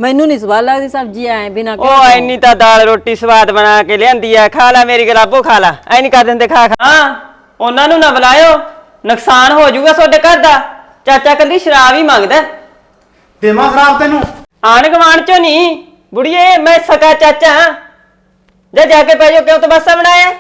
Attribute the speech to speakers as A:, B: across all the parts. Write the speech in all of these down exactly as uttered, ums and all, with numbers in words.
A: ਮੈਨੂੰ ਨਹੀਂ ਸਵਾਦ ਲੱਗਦੀ ਸਬਜ਼ੀ ਐ ਬਿਨਾ
B: ओ इन्नी तो दाल रोटी स्वाद बना के लियांदी है खा ला मेरी गलाबो खा ला ऐ नहीं कर दिंदे खा खा हां ਉਹਨਾਂ ਨੂੰ ਨਾ ਬੁਲਾਇਓ ਨੁਕਸਾਨ ਹੋ ਜਾਊਗਾ ਤੁਹਾਡੇ ਘਰ ਦਾ ਚਾਚਾ ਕੱਲੀ ਸ਼ਰਾਬ ਹੀ ਮੰਗਦਾ
C: ਦੇਵਾਂ ਸ਼ਰਾਬ ਤੈਨੂੰ
B: ਆਣ ਗਵਾਣ ਚੋਂ ਨਹੀਂ ਬੁੜੀਏ ਮੈਂ ਸਕਾ ਚਾਚਾ ਜਾ ਜਾ ਕੇ ਪੈ ਜਾਓ ਕਿਉਂ ਤਮਾਸ਼ਾ ਬਣਾਇਆ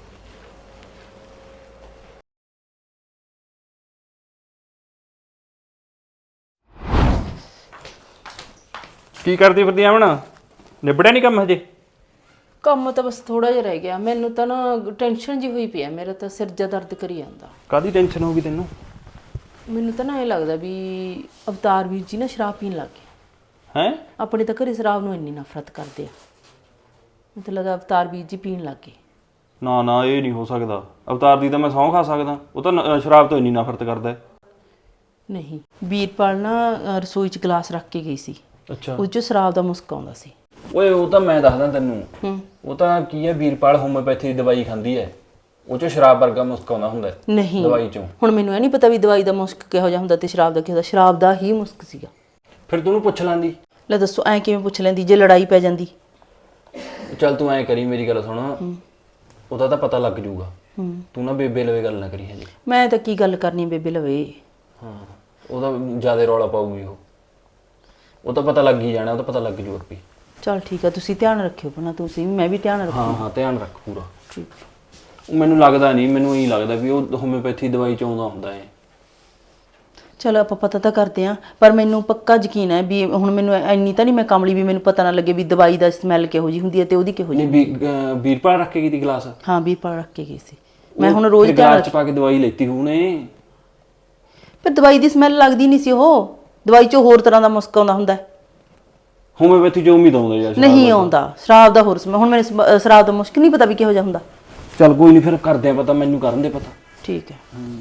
D: ਕੀ ਕਰਦੀ ਫਿਰਦੀ ਆਵਣ ਨਿਬੜਿਆ ਨਹੀਂ ਕੰਮ ਹਜੇ
E: ਕੰਮ ਤਾਂ ਬਸ ਥੋੜਾ ਜਿਹਾ ਰਹਿ ਗਿਆ ਮੈਨੂੰ ਤਾਂ ਨਾ ਟੈਨਸ਼ਨ ਜੀ ਹੋਈ ਪਈ ਆ ਮੇਰਾ ਤਾਂ ਸਿਰ ਜਿਹਾ ਦਰਦ ਕਰੀ ਜਾਂਦਾ
D: ਕਾਦੀ ਟੈਨਸ਼ਨ ਹੋ ਗਈ ਤੈਨੂੰ
E: ਮੈਨੂੰ ਤਾਂ ਨਾ ਇਹ ਲੱਗਦਾ ਵੀ ਅਵਤਾਰ ਵੀਰ ਜੀ ਨਾ ਸ਼ਰਾਬ ਪੀਣ ਲੱਗ ਗਏ
D: ਹੈ
E: ਆਪਣੇ ਤਾਂ ਘਰੇ ਸ਼ਰਾਬ ਨੂੰ ਇੰਨੀ ਨਫ਼ਰਤ ਕਰਦੇ ਆ ਮੈਨੂੰ ਲੱਗਦਾ ਅਵਤਾਰ ਵੀਰ ਜੀ ਪੀਣ ਲੱਗ ਗਏ
D: ਨਾ ਨਾ ਇਹ ਨਹੀਂ ਹੋ ਸਕਦਾ ਅਵਤਾਰ ਦੀ ਤਾਂ ਮੈਂ ਸਹੁੰ ਖਾ ਸਕਦਾ ਉਹ ਤਾਂ ਨ- ਸ਼ਰਾਬ ਤੋਂ ਇੰਨੀ ਨਫ਼ਰਤ ਕਰਦਾ ਹੈ।
E: ਨਹੀਂ ਵੀਰਪਾਲ ਨਾ ਅ, ਰਸੋਈ 'ਚ ਗਲਾਸ ਰੱਖ ਕੇ ਗਈ ਸੀ
D: ਅੱਛਾ
E: ਉਸ 'ਚੋਂ ਸ਼ਰਾਬ ਦਾ ਮੁਸਕ ਆਉਂਦਾ ਸੀ
D: ਓਏ ਉਹ ਤਾਂ ਮੈਂ ਦੱਸਦਾ ਤੈਨੂੰ
E: ਹੂੰ
D: ਉਹ ਤਾਂ ਕੀ ਹੈ ਵੀਰਪਾਲ ਹੋਮਿਓਪੈਥੀ ਦੀ ਦਵਾਈ ਖਾਂਦੀ ਹੈ ਉਹ ਚੋਂ ਸ਼ਰਾਬ ਵਰਗਾ ਮੁਸਕ ਆਉਂਦਾ ਹੁੰਦਾ ਹੈ
E: ਨਹੀਂ
D: ਦਵਾਈ ਚੋਂ
E: ਹੁਣ ਮੈਨੂੰ ਇਹ ਨਹੀਂ ਪਤਾ ਵੀ ਦਵਾਈ ਦਾ ਮੁਸਕ ਕਿਹੋ ਜਿਹਾ ਹੁੰਦਾ ਤੇ ਸ਼ਰਾਬ ਦਾ ਕਿਹੋ ਜਿਹਾ ਸ਼ਰਾਬ ਦਾ ਹੀ ਮੁਸਕ ਸੀਗਾ
D: ਫਿਰ ਤੂੰ ਉਹਨੂੰ ਪੁੱਛ ਲੈਂਦੀ
E: ਲੈ ਦੱਸੋ ਐਂ ਕਿਵੇਂ ਪੁੱਛ ਲੈਂਦੀ ਜੇ ਲੜਾਈ ਪੈ ਜਾਂਦੀ
D: ਚੱਲ ਤੂੰ ਐਂ ਕਰੀ ਮੇਰੀ ਗੱਲ ਸੁਣ ਉਹਦਾ ਤਾਂ ਪਤਾ ਲੱਗ ਜਾਊਗਾ
E: ਹੂੰ
D: ਤੂੰ ਨਾ ਬੇਬੇ ਲਵੇ ਗੱਲ ਨਾ ਕਰੀ ਹਜੇ
E: ਮੈਂ ਤਾਂ ਕੀ ਗੱਲ ਕਰਨੀ ਬੇਬੇ ਲਵੇ
D: ਹਾਂ ਉਹਦਾ ਜ਼ਿਆਦਾ ਰੌਲਾ ਪਾਊਗੀ ਉਹ ਉਹ ਤਾਂ ਪਤਾ ਲੱਗ ਹੀ ਜਾਣਾ ਉਹ ਤਾਂ ਪਤਾ ਲੱਗ ਜੂ ਆਪੀ
E: ਚਲ ਠੀਕ ਆ ਤੁਸੀਂ ਧਿਆਨ ਰੱਖਿਓ ਪਹਿਲਾਂ ਤੁਸੀਂ ਮੈਂ ਵੀ ਧਿਆਨ ਰੱਖਾਂ
D: ਹਾਂ ਹਾਂ ਧਿਆਨ ਰੱਖ ਪੂਰਾ
E: ਠੀਕ
D: ਉਹ ਮੈਨੂੰ ਲੱਗਦਾ ਨਹੀਂ ਮੈਨੂੰ ਇਹੀ ਲੱਗਦਾ ਵੀ ਉਹ ਹੋਮਿਓਪੈਥੀ ਦਵਾਈ ਚ ਆਉਂਦਾ ਹੁੰਦਾ ਹੈ
E: ਚਲੋ ਆਪਾਂ ਪਤਾ ਤਾਂ ਕਰਦੇ ਆਂ ਪਰ ਮੈਨੂੰ ਪੱਕਾ ਯਕੀਨ ਹੈ ਵੀ ਹੁਣ ਮੈਨੂੰ ਇੰਨੀ ਤਾਂ ਨਹੀਂ ਮੈਂ ਕਮਲੀ ਵੀ ਮੈਨੂੰ ਪਤਾ ਨਾ ਲੱਗੇ ਵੀ ਦਵਾਈ ਦਾ ਸਮੈਲ ਕਿਹੋ ਜੀ ਹੁੰਦੀ ਹੈ ਤੇ ਉਹਦੀ ਕਿਹੋ ਜੀ
D: ਨਹੀਂ ਵੀ ਅਹ ਵੀਰਪਾਲ ਰੱਖ ਕੇ ਗਈ ਤੀ ਗਲਾਸ
E: ਹਾਂ ਵੀਰਪਾਲ ਰੱਖ ਕੇ ਗਈ ਸੀ ਮੈਂ ਹੁਣ ਰੋਜ਼ ਧਿਆਨ
D: ਗਲਾਸ ਚ ਪਾ ਕੇ ਦਵਾਈ ਲੈਤੀ ਹੋਣੇ
E: ਪਰ ਦਵਾਈ ਦੀ ਸਮੈਲ ਲੱਗਦੀ ਨਹੀਂ ਸੀ ਉਹ ਦਵਾਈ 'ਚੋਂ ਹੋਰ ਤਰ੍ਹਾਂ ਦਾ ਮੁਸਕ ਆਉਂਦਾ ਹੁੰਦਾ ਹੈ।
D: ਹੋਮਿਓਪੈਥੀ ਜੋ ਉਮੀਦ ਆਉਂਦਾ ਯਾਰ
E: ਨਹੀਂ ਆਉਂਦਾ ਸ਼ਰਾਬ ਦਾ ਹੋਰ ਸਮੈਲ ਹੁਣ ਮੈਨੂੰ ਸਮ- ਸ਼ਰਾਬ ਦਾ ਮੁਸਕ ਨਹੀਂ ਪਤਾ ਵੀ ਕਿਹੋ ਜਿਹਾ ਹੁੰਦਾ
D: ਚੱਲ ਕੋਈ ਨਹੀਂ ਫਿਰ ਕਰਦੇ ਆ ਪਤਾ ਮੈਨੂੰ ਕਰਨ ਦੇ ਪਤਾ
E: ਠੀਕ ਹੈ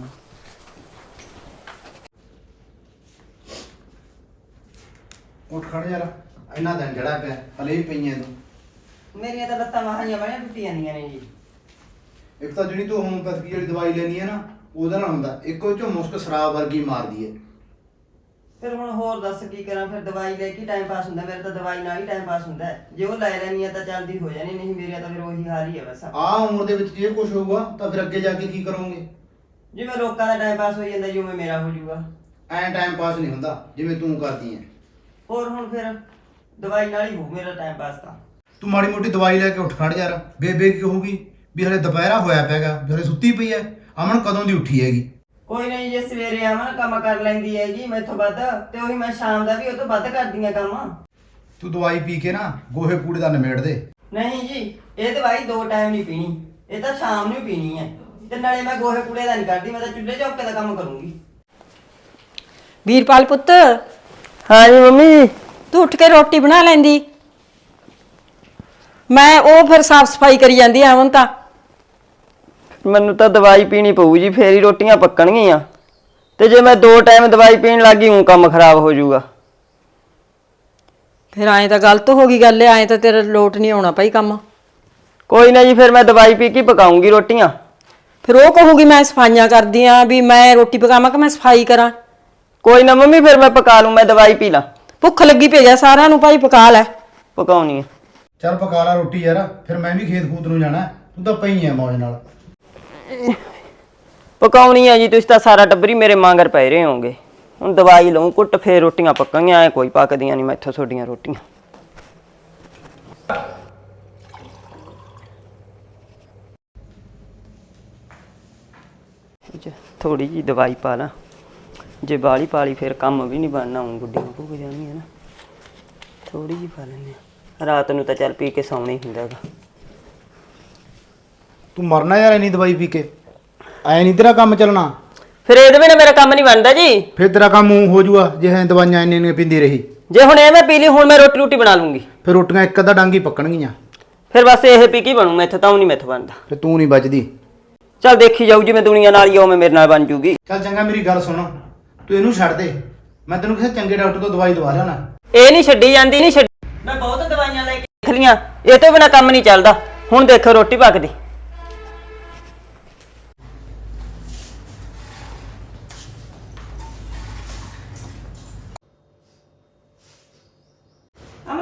C: ਉੱਠ ਖੜ ਯਾਰ ਇੰਨਾ ਦਿਨ ਜਿਹੜਾ ਪਿਆ ਹਲੇ ਵੀ ਪਈਆਂ ਤੂੰ
B: ਮੇਰੀਆਂ ਤਾਂ ਲੱਤਾਂ ਵਾਹਾਂ ਬੜੀਆਂ ਟੁੱਟੀਆਂ ਜਾਂਦੀਆਂ ਨੇ ਜੀ
C: ਇੱਕ ਤਾਂ ਜਿਹੜੀ ਤੂੰ ਹੋਮੋਪੈਥੀ ਵਾਲੀ ਦਵਾਈ ਲੈਣੀ ਹੈ ਨਾ ਉਹਦੇ ਨਾਲ ਹੁੰਦਾ ਇੱਕੋ ਚੋਂ ਮੁਸਕ ਸ਼ਰਾਬ ਵਰਗੀ ਮਾਰਦੀ ਹੈ
B: ਫਿਰ ਹੁਣ ਹੋਰ ਦੱਸ ਕੀ ਕਰਾਂ ਫਿਰ ਦਵਾਈ ਲੈ ਕੇ ਟਾਈਮ ਪਾਸ ਹੁੰਦਾ ਮੇਰਾ ਤਾਂ ਦਵਾਈ ਨਾਲ ਹੀ ਟਾਈਮ ਪਾਸ ਹੁੰਦਾ ਹੈ। ਜੇ ਉਹ ਲੈ ਲੈਣੀ ਆ ਤਾਂ ਜਲਦੀ ਹੋ ਜਾਣੀ ਨਹੀਂ ਮੇਰਾ ਤਾਂ ਫਿਰ ਉਹੀ ਹਾਲ ਹੀ ਹੈ ਬਸ
C: ਆਹ ਉਮਰ ਦੇ ਵਿੱਚ ਜੇ ਕੁਝ ਹੋਊਗਾ ਤਾਂ ਫਿਰ ਅੱਗੇ ਜਾ ਕੇ ਕੀ ਕਰੋਗੇ
B: ਜਿਵੇਂ ਲੋਕਾਂ ਦਾ ਟਾਈਮ ਪਾਸ ਹੋਈ ਜਾਂਦਾ ਜਿਵੇਂ ਮੇਰਾ ਹੋ ਜਾਊਗਾ
C: ਐਂ ਟਾਈਮ ਪਾਸ ਨਹੀਂ ਹੁੰਦਾ ਜਿਵੇਂ ਤੂੰ ਕਰਦੀ ਹੈ
B: ਹੋਰ ਹੁਣ ਫਿਰ ਦਵਾਈ ਨਾਲ ਹੀ ਹੋ ਮੇਰਾ ਟਾਈਮ ਪਾਸ ਤਾਂ
C: ਤੂੰ ਮਾੜੀ ਮੋਟੀ ਦਵਾਈ ਲੈ ਕੇ ਉੱਠ ਖੜ ਯਾਰ ਬੇਬੇ ਕੀ ਕਹੂਗੀ ਵੀ ਹਲੇ ਦੁਪਹਿਰਾ ਹੋਇਆ ਪਿਆਗਾ ਵੀ ਹਲੇ ਸੁੱਤੀ ਪਈ ਹੈ ਅਮਨ ਕਦੋਂ ਦੀ ਉੱਠੀ ਹੈਗੀ
B: ਕੋਈ ਨਹੀਂ ਜੇ ਸਵੇਰੇ ਆਵਾਂ ਕੰਮ ਕਰ ਲੈਂਦੀ ਹੈਗੀ ਮੈਥੋਂ ਵੱਧ ਤੇ ਉਹੀ ਮੈਂ ਸ਼ਾਮ ਦਾ ਵੀ ਉਹ ਤੋਂ ਵੱਧ ਕਰਦੀਆਂ ਕੰਮ
C: ਤੂੰ ਦਵਾਈ ਪੀ ਕੇ ਨਾ ਗੋਹੇ ਕੂੜੇ ਦਾ ਨਿਮੇੜ ਦੇ
B: ਨਹੀਂ ਜੀ ਇਹ ਦਵਾਈ ਦੋ ਟਾਈਮ ਨਹੀਂ ਪੀਣੀ ਇਹ ਤਾਂ ਸ਼ਾਮ ਨੂੰ ਪੀਣੀ ਹੈ ਤੇ ਨਾਲੇ ਮੈਂ ਗੋਹੇ ਕੂੜੇ ਦਾ ਨਹੀਂ ਕਰਦੀ ਮੈਂ ਤਾਂ ਚੁੱਲ੍ਹੇ ਚੌਕੇ ਦਾ ਕੰਮ ਕਰੂੰਗੀ
A: ਵੀਰਪਾਲ ਪੁੱਤ
B: ਹਾਂ ਜੀ ਮੰਮੀ
A: ਤੂੰ ਉੱਠ ਕੇ ਰੋਟੀ ਬਣਾ ਲੈਂਦੀ ਮੈਂ ਉਹ ਫਿਰ ਸਾਫ ਸਫਾਈ ਕਰੀ ਜਾਂਦੀ ਆ ਅਮਨ ਤਾਂ
B: ਮੈਨੂੰ ਤਾਂ ਦਵਾਈ ਪੀਣੀ ਪਊ ਜੀ ਫੇਰ ਹੀ ਰੋਟੀਆਂ ਪੱਕਣਗੀਆਂ ਤੇ ਜੇ ਮੈਂ ਦੋ ਟਾਈਮ ਦਵਾਈ ਪੀਣ ਲੱਗੀ ਹੂੰ ਕੰਮ ਖਰਾਬ ਹੋ ਜਾਊਗਾ
A: ਫਿਰ ਐਂ ਤਾਂ ਗਲਤ ਹੋ ਗਈ ਗੱਲ ਐਂ ਤਾਂ ਤੇਰਾ ਲੋਟ ਨਹੀਂ ਆਉਣਾ ਭਾਈ ਕੰਮ
B: ਕੋਈ ਨਾ ਜੀ ਫਿਰ ਮੈਂ ਦਵਾਈ ਪੀ ਕੇ ਪਕਾਉਂਗੀ ਰੋਟੀਆਂ
A: ਫਿਰ ਉਹ ਕਹੂਗੀ ਮੈਂ ਸਫਾਈਆਂ ਕਰਦੀ ਆ ਵੀ ਮੈਂ ਰੋਟੀ ਪਕਾਵਾਂ ਕਿ ਮੈਂ ਸਫਾਈ ਕਰਾਂ
B: ਕੋਈ ਨਾ ਮੰਮੀ ਫਿਰ ਮੈਂ ਪਕਾ ਲੂੰ ਮੈਂ ਦਵਾਈ ਪੀ ਲਾਂ
A: ਭੁੱਖ ਲੱਗੀ ਪਈ ਆ ਸਾਰਿਆਂ ਨੂੰ ਭਾਈ ਪਕਾ ਲੈ
B: ਪਕਾਉਣੀ ਆ
C: ਚੱਲ ਪਕਾ ਲਾ ਰੋਟੀ ਯਾਰ ਫਿਰ ਮੈਂ ਵੀ ਖੇਤ ਖੂਤ ਨੂੰ ਜਾਣਾ ਤੂੰ ਤਾਂ ਪਈ ਐ ਮੌਜ ਨਾਲ
B: ਪਕਾਉਣੀ ਆ ਜੀ ਤੁਸੀਂ ਤਾਂ ਸਾਰਾ ਟੱਬਰੀ ਮੇਰੇ ਮਾਂਗਰ ਪੈ ਰਹੇ ਹੋਗੇ ਹੁਣ ਦਵਾਈ ਲਊਂ ਕੁੱਟ ਫੇਰ ਰੋਟੀਆਂ ਪੱਕਾਂਗੀਆਂ ਐ ਕੋਈ ਪੱਕਦੀਆਂ ਨਹੀਂ ਮੈਥੋਂ ਤੁਹਾਡੀਆਂ ਰੋਟੀਆਂ ਥੋੜੀ ਜੀ ਦਵਾਈ ਪਾ ਲਾਂ ਜੇ ਬਾਲੀ ਪਾਲੀ ਫਿਰ ਕੰਮ ਵੀ ਨਹੀਂ ਬਣਨਾ ਹੁਣ ਗੁੱਡੀਆਂ ਭੁੱਗ ਜਾਣਗੀਆਂ ਨਾ ਥੋੜੀ ਜੀ ਪਾ ਲੈਂਦੇ ਆ ਰਾਤ ਨੂੰ ਤਾਂ ਚੱਲ ਪੀ ਕੇ ਸੌਣਾ ਹੀ ਹੁੰਦਾ ਗਾ
C: ਤੂੰ ਮਰਨਾ ਯਾਰ ਇੰਨੀ ਦਵਾਈ ਪੀ ਕੇ ਐ ਨਹੀਂ ਤੇਰਾ ਕੰਮ ਚੱਲਣਾ
B: ਫਿਰ ਇਹਦੇ ਬਿਨਾਂ ਮੇਰਾ ਕੰਮ ਨਹੀਂ ਬਣਦਾ ਜੀ
C: ਫਿਰ ਤੇਰਾ ਕੰਮ ਊਂ ਹੋ ਜਾਊਗਾ ਜੇ ਐ ਦਵਾਈਆਂ ਇੰਨੀਆਂ ਇੰਨੀਆਂ ਪੀਂਦੀ ਰਹੀ
B: ਜੇ ਹੁਣ ਇਹ ਮੈਂ ਪੀ ਲਈ ਹੁਣ ਮੈਂ ਰੋਟੀ ਰੋਟੀ ਬਣਾ ਲੂੰਗੀ
C: ਫਿਰ ਰੋਟੀਆਂ ਇੱਕ ਅੱਧਾ ਡੰਗ ਹੀ ਪੱਕਣਗੀਆਂ
B: ਫਿਰ ਬਸ ਇਹ ਪੀ ਕੇ ਬਣੂ ਮੈਥੋਂ ਤਾਂ ਉਹ ਨਹੀਂ ਮੈਥੋਂ ਬਣਦਾ
C: ਫਿਰ ਤੂੰ ਨਹੀਂ ਬਚਦੀ
B: ਚੱਲ ਦੇਖੀ ਜਾਊ ਜਿਵੇਂ ਦੁਨੀਆ ਨਾਲ ਹੀ ਉਵੇਂ ਮੇਰੇ ਨਾਲ ਬਣ ਜੂਗੀ
C: ਚੱਲ ਚੰਗਾ ਮੇਰੀ ਗੱਲ ਸੁਣ ਤੂੰ ਇਹਨੂੰ ਛੱਡ ਦੇ ਮੈਂ ਤੈਨੂੰ ਕਿਸੇ ਚੰਗੇ ਡਾਕਟਰ ਤੋਂ ਦਵਾਈ ਦਵਾ ਲਿਆਉਣਾ
B: ਇਹ ਨਹੀਂ ਛੱਡੀ ਜਾਂਦੀ ਨਹੀਂ ਛੱਡ ਮੈਂ ਬਹੁਤ ਦਵਾਈਆਂ ਲੈ ਕੇ ਦੇਖ ਲੀਆਂ ਇਹ ਤੋਂ ਬਿਨਾਂ ਕੰਮ ਨਹੀਂ ਚੱਲਦਾ ਹੁਣ ਦੇਖੋ ਰੋਟੀ ਪੱਕਦੀ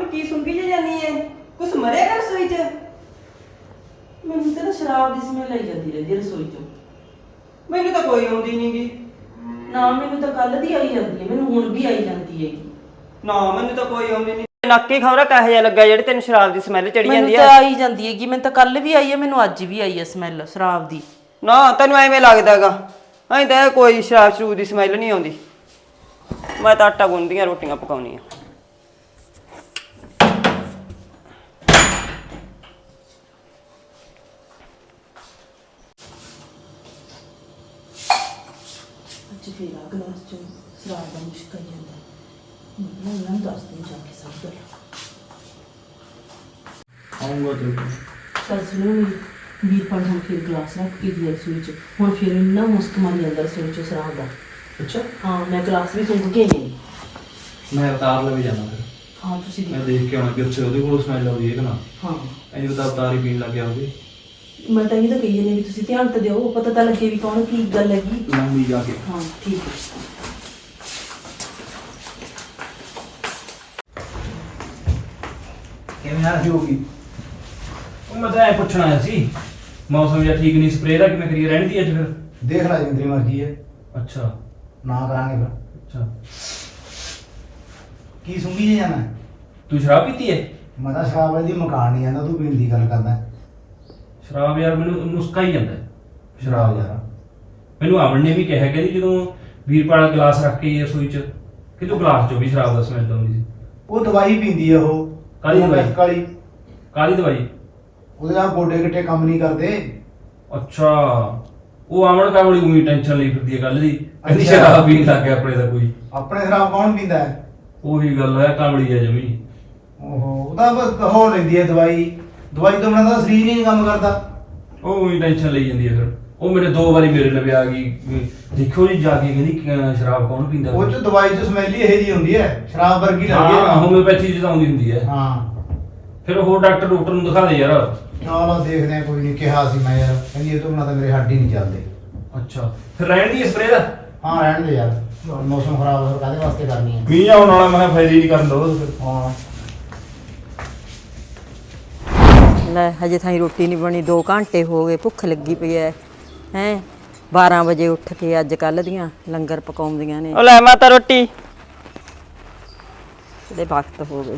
B: ਅਮਨ ਕੀ ਸੁੰਗੀ ਜੇ ਜਾਨੀ ਐ ਕੁਛ ਮਰੇਗਾ ਰਸੋਈ 'ਚ?
E: ਮੈਨੂੰ ਤਾਂ ਨਾ ਸ਼ਰਾਬ ਦੀ ਸਮੈਲ ਆਈ ਜਾਂਦੀ ਰਹਿੰਦੀ ਰਸੋਈ ਚੋਂ।
B: ਮੈਨੂੰ ਤਾਂ ਕੋਈ ਆਉਂਦੀ ਨਹੀਂਗੀ।
E: ਨਾ ਮੈਨੂੰ ਤਾਂ ਕੱਲ ਦੀ ਆਈ ਜਾਂਦੀ ਹੈ, ਮੈਨੂੰ ਹੁਣ ਵੀ ਆਈ ਜਾਂਦੀ ਹੈਗੀ।
B: ਨਾ ਮੈਨੂੰ ਤਾਂ ਕੋਈ ਆਉਂਦੀ ਨਹੀਂ। ਨੱਕੀ ਖੌਰਾ ਕਹੇ ਜਿਹਾ ਲੱਗਾ ਜਿਹੜੇ ਤੈਨੂੰ ਸ਼ਰਾਬ ਦੀ ਸਮੈਲ ਚੜੀ
E: ਮੈਨੂੰ
B: ਜਾਂਦੀ
E: ਤਾਂ
B: ਆ।
E: ਆਈ ਜਾਂਦੀ ਹੈਗੀ, ਮੈਨੂੰ ਤਾਂ ਕੱਲ ਵੀ ਆਈ ਹੈ, ਮੈਨੂੰ ਅੱਜ ਵੀ ਆਈ ਹੈ ਸਮੈਲ ਸ਼ਰਾਬ ਦੀ।
B: ਨਾ ਤੈਨੂੰ ਐਵੇਂ ਲੱਗਦਾਗਾ, ਐਂ ਤਾਂ ਕੋਈ ਸ਼ਰਾਬ ਸ਼ਰੂਬ ਦੀ ਸਮੈਲ ਨਹੀਂ ਆਉਂਦੀ। ਮੈਂ ਤਾਂ ਆਟਾ ਗੁੰਨਦੀਆਂ ਰੋਟੀਆਂ ਪਕਾਉਣੀਆਂ।
E: ਅੱਜ ਫੇਰ ਆ ਗਲਾਸ ਚੋਂ ਸ਼ਰਾਬ ਦਾ ਮੁਸ਼ਕ ਆਈ ਜਾਂਦਾ। ਮੈਂ ਉਹਨਾਂ ਨੂੰ ਦੱਸ ਦਿਨ ਜਾ ਕੇ ਸਭ ਗੱਲ।
D: ਆਉਂਗਾ ਤੇ
E: ਚੱਲ ਸੁਣੋ ਮੇਰੀ ਵੀਰਪਾਲ ਹੁਣ ਫਿਰ ਗਲਾਸ ਰੱਖ ਕੇ ਗਿਆ ਰਸੋਈ 'ਚ। ਹੁਣ ਫਿਰ ਇੰਨਾ ਮੁਸਕ ਮਾਰੀ ਜਾਂਦਾ ਰਸੋਈ 'ਚ ਸ਼ਰਾਬ ਦਾ।
D: ਅੱਛਾ
E: ਹਾਂ ਮੈਂ ਗਲਾਸ ਵੀ ਸੁੰਘ ਕੇ ਗਈ।
D: ਮੈਂ ਉਤਾਰ ਲਵੇ ਜਾਣਾ ਫਿਰ।
E: ਹਾਂ ਤੁਸੀਂ
D: ਮੈਂ
E: ਦੇਖੋ।
D: ਦੇਖ ਕੇ ਆਉਣਾ ਕਿ ਉੱਥੇ ਉਹਦੇ ਕੋਲ ਸਮੈਲ ਆਉਂਦੀ ਹੈ ਕਿ ਨਾ।
E: ਹਾਂ
D: ਐਂ ਤਾਂ ਉਤਾਰੀ ਪੀਣ ਲੱਗ ਗਿਆ ਹੋਵੇ।
E: ਮੈਂ ਤਾਂ ਇਹ ਤਾਂ ਕਹੀ ਜਾਂਦੀ ਵੀ ਤੁਸੀਂ ਧਿਆਨ ਤਾਂ ਦਿਓ, ਪਤਾ ਤਾਂ ਲੱਗੇ ਵੀ ਕੌਣ ਕੀ ਗੱਲ ਹੈਗੀ।
D: ਲਾਉਂਗੀ ਜਾ ਕੇ।
E: ਹਾਂ ਠੀਕ ਹੈ।
C: ਕਿਵੇਂ ਆ ਹੋਗੀ?
D: ਉਹ ਮੈਂ ਤਾਂ ਐ ਪੁੱਛਣਾ ਆਇਆ ਸੀ, ਮੌਸਮ ਜਿਹਾ ਠੀਕ ਨਹੀਂ, ਸਪਰੇਅ ਦਾ ਕਿਵੇਂ ਕਰੀਏ, ਰਹਿਣ ਦੀ ਅੱਜ ਫਿਰ?
C: ਦੇਖ ਲੈ ਜਿੰਨੀ ਤੇਰੀ ਮਰਜ਼ੀ ਹੈ,
D: ਅੱਛਾ
C: ਨਾ ਕਰਾਂਗੇ ਫਿਰ।
D: ਅੱਛਾ
C: ਕੀ ਸੁੰਗੀ ਜੇ ਜਾਣਾ?
D: ਤੂੰ ਸ਼ਰਾਬ ਪੀਤੀ ਹੈ?
C: ਮੈਂ ਤਾਂ ਸ਼ਰਾਬ ਵਾਲੀ ਦੀ ਮਕਾਨ ਨਹੀਂ ਜਾਂਦਾ, ਤੂੰ ਪੀਣ ਦੀ ਗੱਲ ਕਰਦਾ।
D: ਸ਼ਰਾਬ ਯਾਰ ਮੈਨੂੰ ਮੁਸਕਾ ਹੀ ਜਾਂਦਾ ਹੈ।
C: ਸ਼ਰਾਬ ਯਾਰ
D: ਮੈਨੂੰ ਆਵਣ ਨੇ ਵੀ ਕਿਹਾ ਕਿ ਜਦੋਂ ਵੀਰਪਾਲ ਗਲਾਸ ਰੱਖ ਕੇ ਰਸੋਈ 'ਚ ਕਿ ਤੂੰ ਗਲਾਸ 'ਚੋਂ ਵੀ ਸ਼ਰਾਬ ਦਾ ਸਮੈਲ ਆਉਂਦੀ ਸੀ।
C: ਉਹ ਦਵਾਈ ਪੀਂਦੀ ਆ ਉਹ।
D: ਕਾਹਦੀ ਦਵਾਈ?
C: ਕਾਲੀ।
D: ਕਾਹਦੀ ਦਵਾਈ?
C: ਉਹਦੇ ਨਾਲ ਗੋਡੇ ਗਿੱਟੇ ਕੰਮ ਨਹੀਂ ਕਰਦੇ।
D: ਅੱਛਾ ਉਹ ਆਵਣ ਕਾ ਬੜੀ ਉਹੀ ਟੈਨਸ਼ਨ ਲਈ ਫਿਰਦੀ ਹੈ ਕੱਲ ਦੀ, ਕਹਿੰਦੀ
C: ਅੱਛਾ।
D: ਸ਼ਰਾਬ ਪੀਣ ਲੱਗ ਗਿਆ ਆਪਣੇ ਦਾ ਕੋਈ।
C: ਆਪਣੇ ਸ਼ਰਾਬ ਕੌਣ ਪੀਂਦਾ ਹੈ?
D: ਉਹੀ ਗੱਲ ਹੈ, ਕਾਮੜੀ ਹੈ ਜਮੀ।
C: ਓਹੋ ਉਹਦਾ ਬਸ ਹੋ ਲੈਂਦੀ ਹੈ ਦਵਾਈ। ਦਵਾਈ ਤੋਂ ਬਿਨਾਂ ਤਾਂ ਸਰੀਰ ਹੀ ਨਹੀਂ ਕੰਮ ਕਰਦਾ।
D: ਉਹ ਉਹੀ ਟੈਨਸ਼ਨ ਲਈ ਜਾਂਦੀ ਹੈ ਫਿਰ। ਉਹ ਮੇਰੇ ਦੋ ਵਾਰੀ ਮੇਰੇ ਲਵੇ ਆ ਗਈ, ਵੀ ਦੇਖੋ ਜੀ ਜਾ ਕੇ ਕਹਿੰਦੀ ਕਿ ਸ਼ਰਾਬ ਕੌਣ ਪੀਂਦਾ।
C: ਉਹ ਚ ਦਵਾਈ ਚ ਸਮੈਲ ਹੀ ਇਹੋ ਜਿਹੀ ਹੁੰਦੀ ਹੈ, ਸ਼ਰਾਬ ਵਰਗੀ ਲੱਗਦੀ
D: ਹਾਂ
C: ਹੈ।
D: ਹੋਮਿਓਪੈਥੀ ਚ ਤਾਂ ਆਉਂਦੀ ਹੁੰਦੀ ਹੈ।
C: ਹਾਂ
D: ਫਿਰ ਹੋਰ ਡਾਕਟਰ ਡਾਕਟਰ ਨੂੰ ਦਿਖਾ ਦੇ ਯਾਰ।
C: ਚਲੋ ਦੇਖਦੇ ਆ, ਕੋਈ ਨਹੀਂ। ਕਿਹਾ ਸੀ ਮੈਂ ਯਾਰ, ਕਹਿੰਦੀ ਇਹ ਤੋਂ ਬਿਨਾਂ ਤਾਂ ਮੇਰੇ ਹੱਡ ਹੀ ਨਹੀਂ ਚੱਲਦੇ।
D: ਅੱਛਾ ਫਿਰ ਰਹਿਣ ਦੀ ਸਪਰੇਅ ਦਾ?
C: ਹਾਂ ਰਹਿਣ ਦੇ ਯਾਰ, ਮੌਸਮ ਖਰਾਬ ਹੋ, ਕਾਹਦੇ ਵਾਸਤੇ ਕਰਨੀ ਹੈ?
D: ਮੀਂਹ ਆਉਣ ਵਾਲਾ, ਮੈਂ ਕਿਹਾ ਫਾਇਦਾ ਹੀ ਨਹੀਂ ਕਰਨ ਦੋ ਫਿਰ।
C: ਹਾਂ
A: ਲੈ ਹਜੇ ਥਾਈ ਰੋਟੀ ਨਹੀਂ ਬਣੀ, ਦੋ ਘੰਟੇ ਹੋ ਗਏ, ਭੁੱਖ ਲੱਗੀ ਪਈ ਐ ਹੈ। ਬਾਰਾਂ ਵਜੇ ਉੱਠ ਕੇ ਅੱਜ ਕੱਲ ਦੀਆਂ ਲੰਗਰ ਪਕਾਉਂਦੀਆਂ ਨੇ।
B: ਉਹ ਲੈ ਮਾਤਾ ਰੋਟੀ।
A: ਇਹਦੇ ਵਕਤ ਹੋ ਗਏ।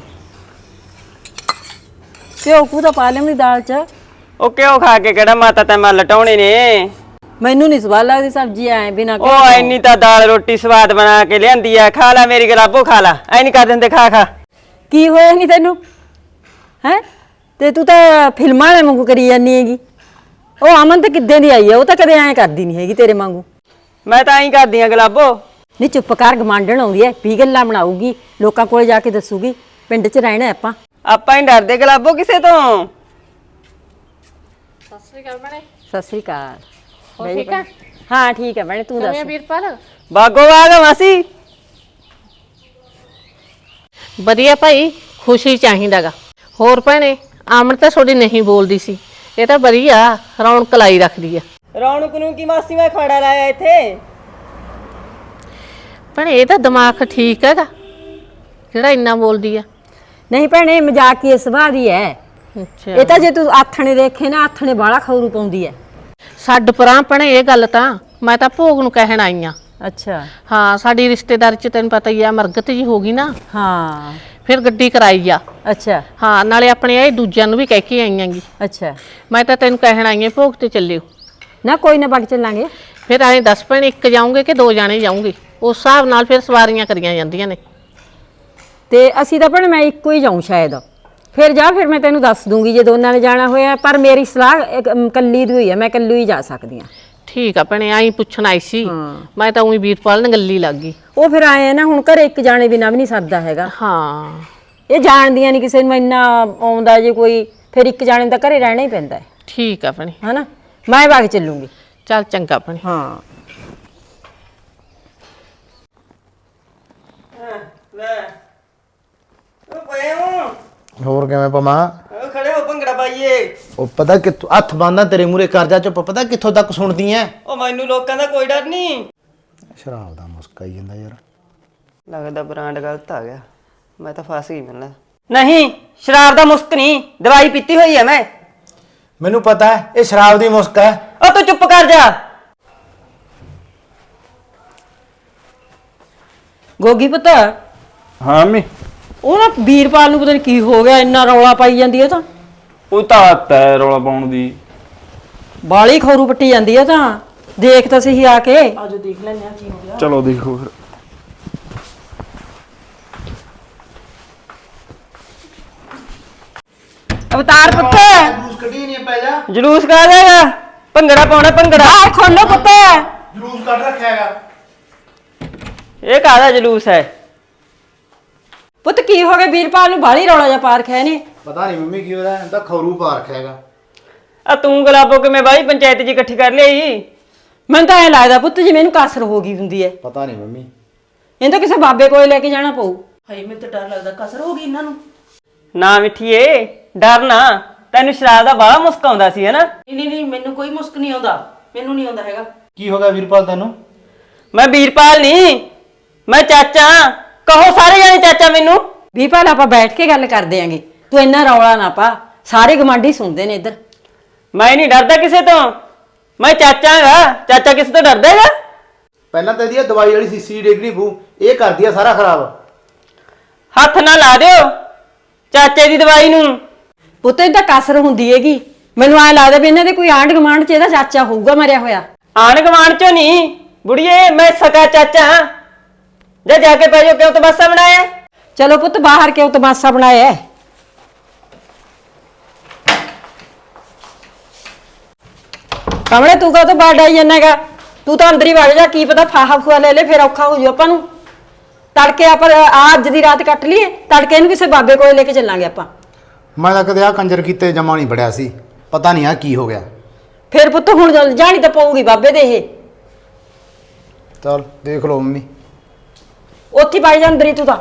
A: ਘਿਓ ਕੂ ਤਾਂ ਪਾ ਲੈਂਦੀ ਦਾਲ ਚ।
B: ਉਹ ਕਿਉਂ ਖਾ ਕੇ ਕਿਹੜਾ ਮਾਤਾ ਤੈਂ ਮੈਂ ਲਟਾਉਣੇ ਨੇ?
A: ਮੈਨੂੰ ਨਹੀਂ ਸਵਾਦ ਲੱਗਦੀ ਸਬਜ਼ੀ ਐ ਬਿਨਾ।
B: ਉਹ ਐਨੀ ਤਾਂ ਦਾਲ ਰੋਟੀ ਸਵਾਦ ਬਣਾ ਕੇ ਲਿਆਂਦੀ ਆ, ਖਾ ਲੈ ਮੇਰੀ ਗਲਾਬੋ ਖਾ ਲੈ। ਐ ਨਹੀਂ ਕਰ ਦਿੰਦੇ, ਖਾ ਖਾ।
A: ਕੀ ਹੋਇਆ ਨਹੀਂ ਤੈਨੂੰ ਹੈ? ਤੇ ਤੂੰ ਤਾਂ ਫਿਲਮਾਂ ਵਾਲੇ ਵਾਂਗੂ ਕਰੀ ਜਾਂਦੀ ਹੈਗੀ। ਉਹ ਅਮਨ ਤਾਂ ਕਿੱਦਾਂ ਦੀ ਆਈ ਹੈ, ਉਹ ਤਾਂ ਕਦੇ ਐਂ ਕਰਦੀ ਨਹੀਂ ਹੈਗੀ ਤੇਰੇ ਵਾਂਗੂ।
B: ਮੈਂ ਤਾਂ ਐਂ ਕਰਦੀ ਆ ਗਲਾਬੋ।
A: ਨਹੀਂ ਚੁੱਪ ਕਰ, ਗਮਾਂਡਣ ਆਉਂਦੀ ਐ, ਵੀ ਗੱਲਾਂ ਬਣਾਊਗੀ, ਲੋਕਾਂ ਕੋਲ ਜਾ ਕੇ ਦੱਸੂਗੀ ਪਿੰਡ 'ਚ ਰਹਿਣਾ ਆਪਾਂ।
B: ਆਪਾਂ ਹੀ ਡਰਦੇ ਗਲਾਬੋ ਕਿਸੇ ਤੋਂ।
F: ਸਤਿ ਸ੍ਰੀ ਅਕਾਲ ਭੈਣੇ।
A: ਸਤਿ ਸ੍ਰੀ ਅਕਾਲ।
F: ਹੋਰ ਠੀਕ ਆ?
A: ਹਾਂ ਠੀਕ ਹੈ ਭੈਣੇ, ਤੂੰ
F: ਕਿਵੇਂ
A: ਦੱਸ।
F: ਆ ਵੀਰਪਾਲ?
B: ਬਾਗੋ ਬਾਗ ਮਾਸੀ।
F: ਵਧੀਆ ਭਾਈ, ਖੁਸ਼ੀ ਚਾਹੀਦਾਗਾ। ਹੋਰ ਭੈਣੇ ਆਮਣ ਤਾਂ ਤੁਹਾਡੀ ਨਹੀਂ ਬੋਲਦੀ ਸੀ, ਇਹ ਤਾਂ ਵਧੀਆ ਰੌਣਕ ਲਾਈ ਰੱਖਦੀ ਆ।
B: ਰੌਣਕ ਨੂੰ ਕੀ ਮਾਸੀ, ਮੈਂ ਖੜਾ ਲਾਇਆ ਇੱਥੇ।
F: ਭੈਣੇ ਇਹ ਤਾਂ ਦਿਮਾਗ ਠੀਕ ਹੈਗਾ ਜਿਹੜਾ ਇੰਨਾ ਬੋਲਦੀ ਆ।
A: ਨਹੀਂ ਭੈਣੇ ਮਜ਼ਾਕੀ ਸੁਭਾਅ ਦੀ ਐ।
F: ਅੱਛਾ
A: ਇਹ ਤਾਂ ਜੇ ਤੂੰ ਆਥਣੇ ਦੇਖੇ ਨਾ, ਆਥਣੇ ਬਾਲਾ ਖੌਰੂ ਪਾਉਂਦੀ ਐ।
F: ਛੱਡ ਪਰਾਂ ਭੈਣੇ ਇਹ ਗੱਲ, ਤਾਂ ਮੈਂ ਤਾਂ ਭੋਗ ਨੂੰ ਕਹਿਣ ਆਈ ਆ।
A: ਅੱਛਾ
F: ਹਾਂ ਸਾਡੀ ਰਿਸ਼ਤੇਦਾਰੀ ਚ ਤੈਨੂੰ ਪਤਾ ਹੀ ਆ, ਮਰਗਤ ਜੀ ਹੋ ਗਈ ਨਾ,
A: ਹਾਂ
F: ਫਿਰ ਗੱਡੀ ਕਰਾਈ ਆ।
A: ਅੱਛਾ
F: ਹਾਂ ਨਾਲੇ ਆਪਣੇ ਇਹ ਦੂਜਿਆਂ ਨੂੰ ਵੀ ਕਹਿ ਕੇ ਆਈਆਂਗੀ।
A: ਅੱਛਾ
F: ਮੈਂ ਤਾਂ ਤੈਨੂੰ ਕਹਿਣ ਆਈ ਆ ਭੋਗ ਤੇ ਚੱਲਿਓ।
A: ਨਾ ਕੋਈ ਨਾ, ਬਗ ਚੱਲਾਂਗੇ।
F: ਫਿਰ ਐਂ ਦੱਸ ਭੈਣੇ ਇੱਕ ਜਾਉਂਗੇ ਕਿ ਦੋ ਜਾਣੇ ਜਾਉਂਗੇ? ਉਸ ਹਿਸਾਬ ਨਾਲ ਫਿਰ ਸਵਾਰੀਆਂ ਕਰੀਆਂ ਜਾਂਦੀਆਂ ਨੇ।
A: ਤੇ ਅਸੀਂ ਤਾਂ ਭੈਣੇ ਮੈਂ ਇੱਕੋ ਹੀ ਜਾਊਂ ਸ਼ਾਇਦ। ਫਿਰ ਜਾ, ਫਿਰ ਮੈਂ ਤੈਨੂੰ ਦੱਸ ਦੂੰਗੀ ਜੇ ਦੋਨਾਂ ਨੇ ਜਾਣਾ ਹੋਇਆ। ਪਰ ਮੇਰੀ ਸਲਾਹ ਇੱਕ, ਅਮ, ਕੱਲੀ ਦੀ ਹੋਈ ਹੈ, ਮੈਂ ਕੱਲੀ ਹੀ ਜਾ ਸਕਦੀ ਹਾਂ।
F: ਠੀਕ ਆ ਭੈਣੇ, ਆਈ ਪੁੱਛਣ ਆਈ ਸੀ ਮੈਂ ਤਾਂ ਉਹੀ ਵੀਰਪਾਲ ਨਾਲ ਗੱਲੀ ਲੱਗ ਗਈ।
A: ਉਹ ਫਿਰ ਆਏ ਆ ਨਾ, ਹੁਣ ਘਰੇ ਇੱਕ ਜਾਣੇ ਬਿਨਾਂ ਵੀ ਨਹੀਂ ਸਰਦਾ ਹੈਗਾ।
F: ਹਾਂ
A: ਇਹ ਜਾਣਦੀਆਂ ਨਹੀਂ ਕਿਸੇ ਨੂੰ, ਇੰਨਾ ਆਉਂਦਾ ਜੇ ਕੋਈ, ਫਿਰ ਇੱਕ ਜਾਣੇ ਨੂੰ ਤਾਂ ਘਰੇ ਰਹਿਣਾ ਹੀ ਪੈਂਦਾ ਹੈ।
F: ਠੀਕ ਆ ਭੈਣੇ,
A: ਹਨਾ, ਮੈਂ ਵਗ ਚੱਲੂੰਗੀ।
F: ਚੱਲ ਚੰਗਾ ਭੈਣੇ।
A: ਹਾਂ
B: ਲੈ ਉਹ ਪਏ ਹੋ।
C: ਹੋਰ ਕਿਵੇਂ ਪਮਾ?
B: ਉਹ ਖੜੇ ਹੋ, ਭੰਗੜਾ ਪਾਈਏ।
C: ਉਹ ਪਤਾ ਕਿੱਥੋਂ ਹੱਥ ਬੰਨਦਾ ਤੇਰੇ ਮੂਰੇ ਕਰਜਾ ਚੁੱਪ, ਪਤਾ ਕਿੱਥੋਂ ਤੱਕ ਸੁਣਦੀ ਐ?
B: ਉਹ ਮੈਨੂੰ ਲੋਕਾਂ ਦਾ ਕੋਈ ਡਰ ਨਹੀਂ।
C: ਸ਼ਰਾਬ ਦਾ ਮੁਸਕ ਆਈ ਜਾਂਦਾ ਯਾਰ।
B: ਲੱਗਦਾ ਬ੍ਰਾਂਡ ਗਲਤ ਆ ਗਿਆ, ਮੈਂ ਤਾਂ ਫਸ ਗਈ। ਮੈਨੂੰ ਨਹੀਂ ਸ਼ਰਾਬ ਦਾ ਮੁਸਕ ਨਹੀਂ, ਦਵਾਈ ਪੀਤੀ ਹੋਈ ਹੈ ਮੈਂ।
C: ਮੈਨੂੰ ਪਤਾ ਹੈ ਇਹ ਸ਼ਰਾਬ ਦੀ ਮੁਸਕ ਹੈ।
B: ਉਹ ਤੂੰ ਚੁੱਪ ਕਰ ਜਾ।
A: ਗੋਗੀ ਪੁੱਤ
D: ਹਾਂ ਮੰਮੀ
A: ਉਹ ਨਾ ਵੀਰਪਾਲ ਨੂੰ ਪਤਾ ਨਹੀਂ ਕੀ ਹੋ ਗਿਆ, ਇੰਨਾ ਰੌਲਾ ਪਾਈ ਜਾਂਦੀ ਹੈ ਤਾਂ
D: ਉਹ ਤਾਂ ਆਦਤ ਹੈ ਰੌਲਾ ਪਾਉਣ ਦੀ।
A: ਬਾਲੀ ਖੌਰੂ ਪੱਟੀ ਜਾਂਦੀ ਹੈ ਤਾਂ ਦੇਖ ਤਾਂ ਸਹੀ ਆ ਕੇ।
E: ਆਜੋ ਦੇਖ ਲੈਂਦੇ ਆ ਕੀ ਹੋ ਗਿਆ।
D: ਚਲੋ ਦੇਖੋ ਫਿਰ।
A: ਅਵਤਾਰ ਪੁੱਤ
C: ਜਲੂਸ ਕੱਢੀ ਨਹੀਂ ਪੈ ਜਾ।
B: ਜਲੂਸ ਕਾ ਜਾਏਗਾ, ਭੰਗੜਾ ਪਾਉਣਾ ਭੰਗੜਾ।
A: ਆ ਖੋਲੋ ਪੁੱਤ।
C: ਜਲੂਸ ਕੱਢ ਰੱਖਿਆ ਹੈਗਾ।
B: ਇਹ ਕਾਹਦਾ ਜਲੂਸ ਹੈ?
A: ਪੁੱਤ ਕੀ ਹੋ ਗਿਆ, ਵੀਰਪਾਲ ਨੂੰ ਬਾਲੀ ਰੌਲਾ ਜਿਹਾ ਪਾ ਰੱਖਿਆ ਇਹਨੇ।
C: ਪਤਾ ਨਹੀਂ ਮੰਮੀ ਕੀ ਹੋਇਆ, ਇਹਦਾ ਖੌਰੂ ਪਾ ਰੱਖਿਆ ਹੈਗਾ।
B: ਆ ਤੂੰ ਗੁਲਾਬੋ ਕਿਵੇਂ ਬਾਈ ਪੰਚਾਇਤ ਜੀ ਇਕੱਠੀ ਕਰ ਲਈ?
A: ਮੈਨੂੰ ਤਾਂ ਐ ਲੱਗਦਾ ਪੁੱਤ ਜਿਵੇਂ ਇਹਨੂੰ ਕਾਸਰ ਹੋ ਗਈ ਹੁੰਦੀ ਹੈ।
C: ਪਤਾ ਨਹੀਂ ਮੰਮੀ।
A: ਇਹਨੂੰ ਤਾਂ ਕਿਸੇ ਬਾਬੇ ਕੋਲ ਲੈ ਕੇ ਜਾਣਾ ਪਊ।
E: ਹਾਏ ਮੈਨੂੰ ਤਾਂ ਡਰ ਲੱਗਦਾ ਕਸਰ ਹੋ ਗਈ ਇਹਨਾਂ ਨੂੰ।
B: ਨਾ ਮਿੱਠੀਏ ਡਰ ਨਾ, ਤੈਨੂੰ ਸ਼ਰਾਬ ਦਾ ਬਾਹਲਾ ਮੁਸਕ ਆਉਂਦਾ ਸੀ ਹੈਨਾ।
E: ਨਹੀਂ ਨਹੀਂ ਨਹੀਂ ਮੈਨੂੰ ਕੋਈ ਮੁਸਕ ਨਹੀਂ ਆਉਂਦਾ, ਮੈਨੂੰ ਨਹੀਂ ਆਉਂਦਾ ਹੈਗਾ।
C: ਕੀ ਹੋ ਗਿਆ ਵੀਰਪਾਲ ਤੈਨੂੰ?
B: ਮੈਂ ਵੀਰਪਾਲ ਨਹੀਂ, ਮੈਂ ਚਾਚਾ। ਕਹੋ ਸਾਰੇ ਜਾਣੇ ਚਾਚਾ ਮੈਨੂੰ।
A: ਵੀਰਪਾਲ ਆਪਾਂ ਬੈਠ ਕੇ ਗੱਲ ਕਰਦੇ ਆਂਗੇ, ਤੂੰ ਇੰਨਾ ਰੌਲਾ ਨਾ ਪਾ, ਸਾਰੇ ਗਵਾਂਢੀ ਸੁਣਦੇ ਨੇ ਇੱਧਰ।
B: ਮੈਂ ਨਹੀਂ ਡਰਦਾ ਕਿਸੇ ਤੋਂ, ਮੈਂ ਚਾਚਾ ਹੈਗਾ। ਚਾਚਾ ਕਿਸੇ ਤੋਂ ਡਰਦਾ ਹੈਗਾ?
C: ਪਹਿਲਾਂ ਤਾਂ ਇਹਦੀ ਦਵਾਈ ਵਾਲੀ ਸੀਸੀ ਡੇਗਣੀ ਪੂ, ਇਹ ਕਰਦੀ ਆ ਸਾਰਾ ਖਰਾਬ।
B: ਹੱਥ ਨਾ ਲਾ ਦਿਓ ਚਾਚੇ ਦੀ ਦਵਾਈ ਨੂੰ।
A: ਪੁੱਤ ਇਹ ਤਾਂ ਕਾਸਰ ਹੁੰਦੀ ਹੈਗੀ, ਮੈਨੂੰ ਐ ਲੱਗਦਾ ਵੀ ਇਹਨਾਂ ਦੇ ਕੋਈ ਆਂਢ ਗਵਾਂਢ ਚ ਇਹਦਾ ਚਾਚਾ ਹੋਊਗਾ ਮਰਿਆ ਹੋਇਆ।
B: ਆਣ ਗਵਾਣ ਚੋਂ ਨਹੀਂ ਬੁੜੀਏ, ਮੈਂ ਸਕਾ ਚਾਚਾ ਹਾਂ। ਜਾ ਜਾ ਕੇ ਪੈ ਜਾਓ, ਕਿਉਂ ਤਮਾਸ਼ਾ ਬਣਾਇਆ?
A: ਚਲੋ ਪੁੱਤ ਬਾਹਰ ਕਿਉਂ ਤਮਾਸ਼ਾ ਬਣਾਇਆ? ਕਮਲੇ ਤੂੰ ਕਾ ਤੋਂ ਬਾਹਰ ਆਈ ਜਾਣਾਗਾ, ਤੂੰ ਤਾਂ ਅੰਦਰ ਹੀ ਵੜ ਜਾ। ਕੀ ਪਤਾ ਫਾਹਾ ਫੂਆ ਲੈ ਲੈ, ਫਿਰ ਔਖਾ ਹੋ ਜੂ ਆਪਾਂ ਨੂੰ। ਤੜਕੇ ਆਪਾਂ ਆ ਅੱਜ ਦੀ ਰਾਤ ਕੱਟ ਲਈਏ, ਤੜਕੇ ਇਹਨੂੰ ਕਿਸੇ ਬਾਬੇ ਕੋਲ ਲੈ ਕੇ ਚੱਲਾਂਗੇ ਆਪਾਂ।
C: ਮੈਂ ਤਾਂ ਕਦੇ ਆ ਕੰਜਰ ਕੀਤੇ ਜਮਾ ਨਹੀਂ ਬੜਿਆ ਸੀ, ਪਤਾ ਨਹੀਂ ਆ ਕੀ ਹੋ ਗਿਆ।
A: ਫਿਰ ਪੁੱਤ ਹੁਣ ਜਾਣੀ ਤਾਂ ਪਊਗੀ ਬਾਬੇ ਦੇ ਇਹ।
C: ਚਲ ਦੇਖ ਲਓ ਮੰਮੀ।
A: ਉੱਥੇ ਪਾਈ ਜਾ ਅੰਦਰ ਹੀ ਤੂੰ ਤਾਂ।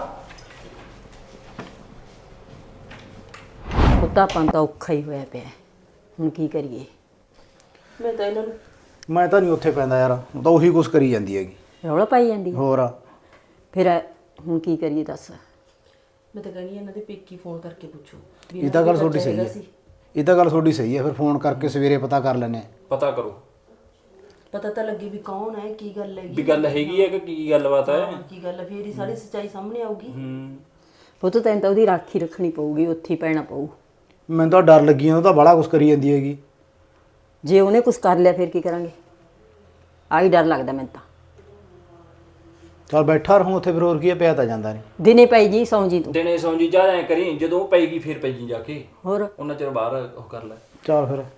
A: ਪੁੱਤ ਆਪਾਂ ਨੂੰ ਤਾਂ ਔਖਾ ਹੀ ਹੋਇਆ ਪਿਆ, ਹੁਣ ਕੀ ਕਰੀਏ?
E: ਮੈਂ ਤਾਂ ਇਹਨਾਂ ਨੂੰ
C: ਮੈਂ ਤਾਂ ਨਹੀਂ ਉੱਥੇ ਪੈਂਦਾ ਯਾਰ, ਉਹ ਤਾਂ ਉਹੀ ਕੁਛ ਕਰੀ ਜਾਂਦੀ ਹੈਗੀ।
A: ਰੌਲਾ ਪਾਈ ਜਾਂਦੀ ਹੈ।
C: ਹੋਰ
A: ਫਿਰ ਹੁਣ ਕੀ ਕਰੀਏ ਦੱਸ?
E: ਮੈਂ ਤਾਂ ਕਹਿੰਦੀ ਇਹਨਾਂ ਦੇ ਪੇਕੀ ਫੋਨ ਕਰਕੇ ਪੁੱਛੋ ਵੀ
C: ਇਹ ਤਾਂ ਗੱਲ ਤੁਹਾਡੀ ਸਹੀ
E: ਹੈਗਾ
C: ਹੈ।
E: ਸੀ।
C: ਇਹ ਤਾਂ ਗੱਲ ਤੁਹਾਡੀ ਸਹੀ ਹੈ, ਫਿਰ ਫੋਨ ਕਰਕੇ ਸਵੇਰੇ ਪਤਾ ਕਰ ਲੈਣੇ।
D: ਪਤਾ ਕਰੋ
E: ਪਤਾ ਤਾਂ ਲੱਗੇ ਵੀ ਕੌਣ ਹੈ, ਕੀ ਗੱਲ ਹੈਗੀ।
D: ਵੀ ਗੱਲ ਹੈਗੀ ਹੈ ਕਿ ਕੀ ਗੱਲਬਾਤ ਹੈ।
E: ਹਾਂ, ਕੀ ਗੱਲ ਹੈ, ਫੇਰ ਹੀ ਸਾਰੀ ਸੱਚਾਈ ਸਾਹਮਣੇ ਆਊਗੀ।
D: ਹੂੰ
A: ਪੁੱਤ ਤੈਨੂੰ ਤਾਂ ਉਹਦੀ ਰਾਖੀ ਰੱਖਣੀ ਪਊਗੀ, ਉੱਥੇ ਹੀ ਪੈਣਾ ਪਊ।
C: ਮੈਨੂੰ ਤਾਂ ਡਰ ਲੱਗੀ, ਉਹ ਤਾਂ ਬੜਾ ਕੁਛ ਕਰੀ ਜਾਂਦੀ ਹੈਗੀ।
A: ਜੇ ਉਹਨੇ ਕੁਝ ਕਰ ਲਿਆ ਫਿਰ ਕੀ ਕਰਾਂਗੇ? ਆਹੀ ਡਰ ਲੱਗਦਾ ਮੈਨੂੰ ਤਾਂ।
C: ਚਲ ਬੈਠਾ ਰਹੂੰ ਉੱਥੇ, ਫਿਰ ਹੋਰ ਕੀ ਹੈ, ਪਿਆ ਤਾਂ ਜਾਂਦਾ ਨਹੀਂ।
A: ਦਿਨੇ ਪਈ ਜੀ ਸੌਂ ਜੀ ਤੂੰ।
D: ਦਿਨੇ ਸੌਂ ਜੀ ਜਾ ਐ ਕਰੀ, ਜਦੋਂ ਉਹ ਪਏਗੀ ਫਿਰ ਪਈ ਜੀ ਜਾ ਕੇ,
A: ਹੋਰ
D: ਉਹਨਾਂ ਚਿਰ ਬਾਹਰ ਉਹ ਕਰ ਲੈ।
C: ਚਲ ਫਿਰ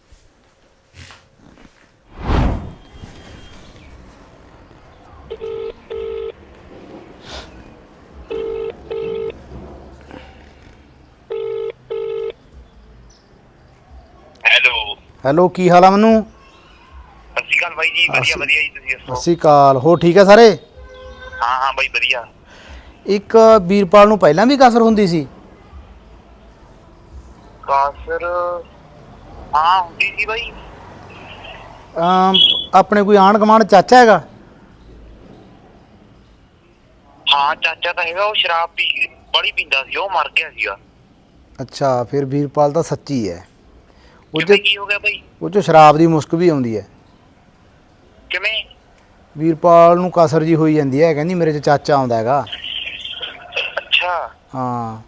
G: ਹੈਲੋ
C: ਹੈਲੋ, ਕੀ ਹਾਲ ਆ ਮਨੂੰ?
G: ਸਤਿ ਸ਼੍ਰੀ ਅਕਾਲ ਬਾਈ ਜੀ। ਵਧੀਆ ਵਧੀਆ ਜੀ, ਤੁਸੀਂ
C: ਸਤਿ
G: ਦੱਸੋ?
C: ਸ਼੍ਰੀ ਅਕਾਲ। ਹੋ ਠੀਕ ਆ ਸਾਰੇ?
G: ਹਾਂ ਹਾਂ ਬਾਈ ਵਧੀਆ।
C: ਇੱਕ ਵੀਰਪਾਲ ਨੂੰ ਪਹਿਲਾਂ ਵੀ ਕਸਰ ਹੁੰਦੀ ਸੀ?
G: ਕਾਸਰ ਹਾਂ ਹੁੰਦੀ ਸੀ ਬਾਈ।
C: ਅਮ ਆਪਣੇ ਕੋਈ ਆਂਢ ਗੁਆਂਢ ਚਾਚਾ ਹੈਗਾ?
G: ਹਾਂ ਚਾਚਾ ਤਾਂ ਹੈਗਾ, ਉਹ ਸ਼ਰਾਬ ਪੀ ਬੜੀ ਪੀਂਦਾ ਸੀ, ਉਹ ਮਰ ਗਿਆ ਸੀਗਾ।
C: ਅੱਛਾ, ਫਿਰ ਵੀਰਪਾਲ ਤਾਂ ਸੱਚੀ ਹੈ। ਉਹ
G: ਕਿਵੇਂ,
C: 'ਚ
G: ਕੀ ਹੋ ਗਿਆ ਬਾਈ?
C: ਉਹ 'ਚ ਸ਼ਰਾਬ ਦੀ ਮੁਸਕ ਵੀ ਆਉਂਦੀ ਹੈ।
G: ਕਿਵੇਂ?
C: ਵੀਰਪਾਲ ਨੂੰ ਕਸਰ ਜੀ ਹੋਈ ਜਾਂਦੀ ਹੈ, ਕਹਿੰਦੀ ਮੇਰੇ 'ਚ ਚਾਚਾ ਆਉਂਦਾ ਹੈਗਾ।
G: ਅੱਛਾ
C: ਹਾਂ